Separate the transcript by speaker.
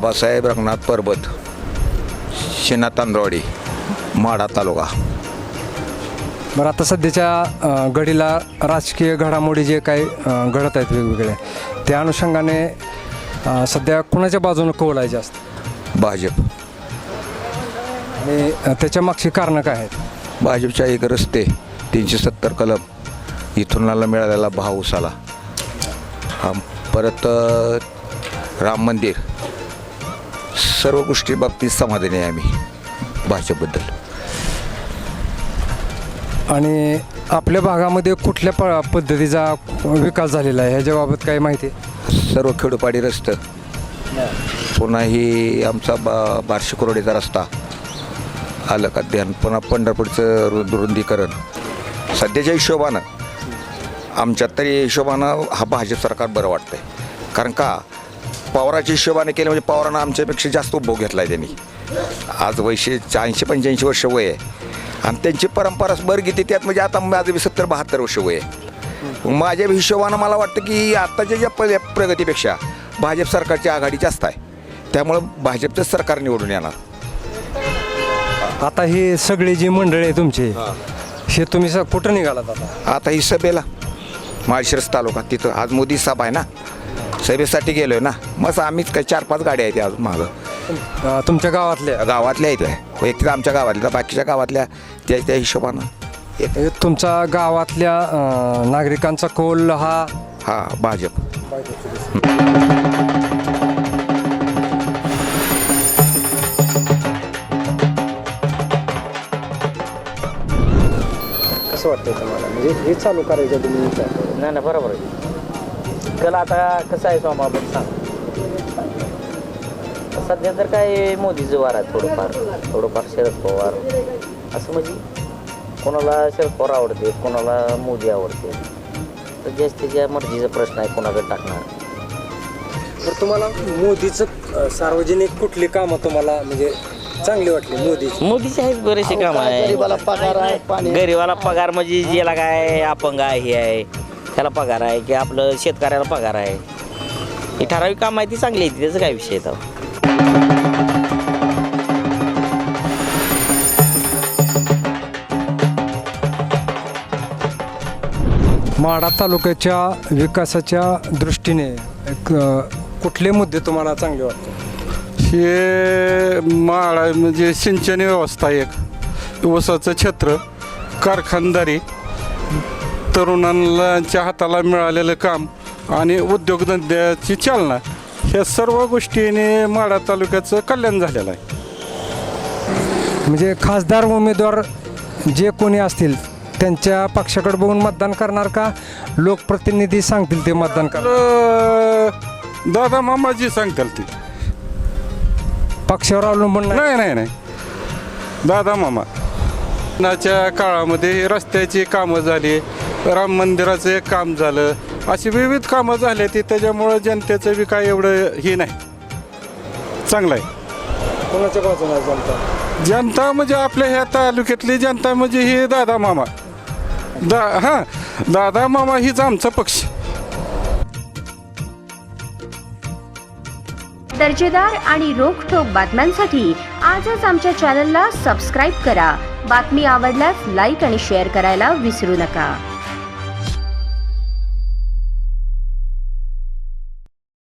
Speaker 1: आबासाहेब रंगनाथ परबत, शेना तांदळवाडी, माढा तालुका.
Speaker 2: बरं, आता सध्याच्या घडीला राजकीय घडामोडी जे काही घडत आहेत वेगवेगळे, त्या अनुषंगाने सध्या कुणाच्या बाजूने कौल आहे जास्त?
Speaker 1: भाजप.
Speaker 2: आणि त्याच्या मागची कारणं काय आहेत?
Speaker 1: भाजपच्या एक रस्ते 370 कलम, इथुनाला मिळालेला भाव उसाला, परत राम मंदिर, सर्व गोष्टी बाबतीत समाधानी आहे आम्ही भाजपबद्दल.
Speaker 2: आणि आपल्या भागामध्ये कुठल्या पद्धतीचा विकास झालेला आहे ह्याच्याबाबत काही माहिती आहे?
Speaker 1: सर्व खेडोपाडी रस्तं, पुन्हा ही आमचा 1200 करोडीचा रस्ता आलं का ध्यान, पुन्हा पंढरपूरचं रुंदीकरण. सध्याच्या हिशोबानं आमच्यात तरी हिशोबानं हा भाजप सरकार बरं वाटतं आहे. कारण का पवाराच्या हिशोबाने केलं म्हणजे पवारानं आमच्यापेक्षा जास्त उपभोग घेतला आहे त्यांनी. आज वयशे 80-85 वर्ष वय आहे आणि त्यांची परंपराच बरं घेते त्यात, म्हणजे आता माझं 70-72 वर्ष वय आहे. माझ्या हिशोबानं मला वाटतं की आत्ताच्या ज्या प्रगतीपेक्षा भाजप सरकारची आघाडी जास्त आहे, त्यामुळं भाजपचंच सरकार निवडून येणार.
Speaker 2: आता ही सगळी जी मंडळी आहे तुमची, हे तुम्ही कुठं निघालात आता?
Speaker 1: आता ही सभेला माळशिरस तालुका, तिथं आज मोदी सभा आहे ना, सभेसाठी गेलो आहे ना. मग आम्हीच काय 4-5 गाड्या आहेत आज मागं.
Speaker 2: तुमच्या गावातल्या
Speaker 1: आहेत वैयक्तिक आमच्या गावातल्या, बाकीच्या गावातल्या त्या हिशोबानं.
Speaker 2: तुमच्या गावातल्या नागरिकांचा कौल हा
Speaker 1: भाजप.
Speaker 2: कसं वाटतं तुम्हाला, म्हणजे हे चालू करायचं तुम्ही?
Speaker 3: नाही बरोबर आहे. कल आता कसं आहे सोमा आपण सांग. सध्या तर काय मोदीचं वार आहे, थोडंफार शरद पवार असं, म्हणजे कोणाला शरद पवार आवडते, कोणाला मोदी आवडते, तर जास्त त्याच्या मर्जीचा प्रश्न आहे कोणाकडे टाकणार.
Speaker 2: तर तुम्हाला मोदीचं सार्वजनिक कुठली कामं तुम्हाला म्हणजे चांगली वाटली?
Speaker 3: मोदीचे आहेत बरेचसे काम आहे. गरीबाला पगार म्हणजे ज्याला काय अपंग आहे हे आहे त्याला पगार आहे, की आपलं शेतकऱ्याला पगार आहे, ही ठराविक काम आहे ती चांगली आहे, त्याचा काय विषय आहे.
Speaker 2: माढा तालुक्याच्या विकासाच्या दृष्टीने कुठले मुद्दे तुम्हाला चांगले वाटतात?
Speaker 4: हे माळा म्हणजे सिंचन व्यवस्था, एक ऊसाचं क्षेत्र, कारखानदारी, तरुणांच्या हाताला मिळालेलं काम आणि उद्योगधंद्याची चालना, ह्या सर्व गोष्टीने माढा तालुक्याचं कल्याण झालेलं आहे.
Speaker 2: म्हणजे खासदार उमेदवार जे कोणी असतील त्यांच्या पक्षाकडे बघून मतदान करणार का लोकप्रतिनिधी सांगतील ते मतदान करणार?
Speaker 4: दादा मामाजी सांगतील ती,
Speaker 2: पक्षावर अवलंबून
Speaker 4: नाही. दादा मामा. नाच्या काळामध्ये रस्त्याची कामं झाली, राम मंदिराचं एक काम झालं, अशी विविध कामं झाली ती, त्याच्यामुळं जनतेचं बी काय एवढं हे नाही, चांगलं आहे.
Speaker 2: कोणाच्या बाजूला
Speaker 4: जनता म्हणजे आपल्या ह्या तालुक्यातली जनता म्हणजे ही दादा मामा. दादा मामा हीच आमचा पक्ष.
Speaker 5: दर्जेदार आणि रोखठोक बातम्यांसाठी आजच आमच्या चॅनलला सबस्क्राईब करा. बातमी आवडल्यास लाईक आणि शेअर करायला विसरू नका.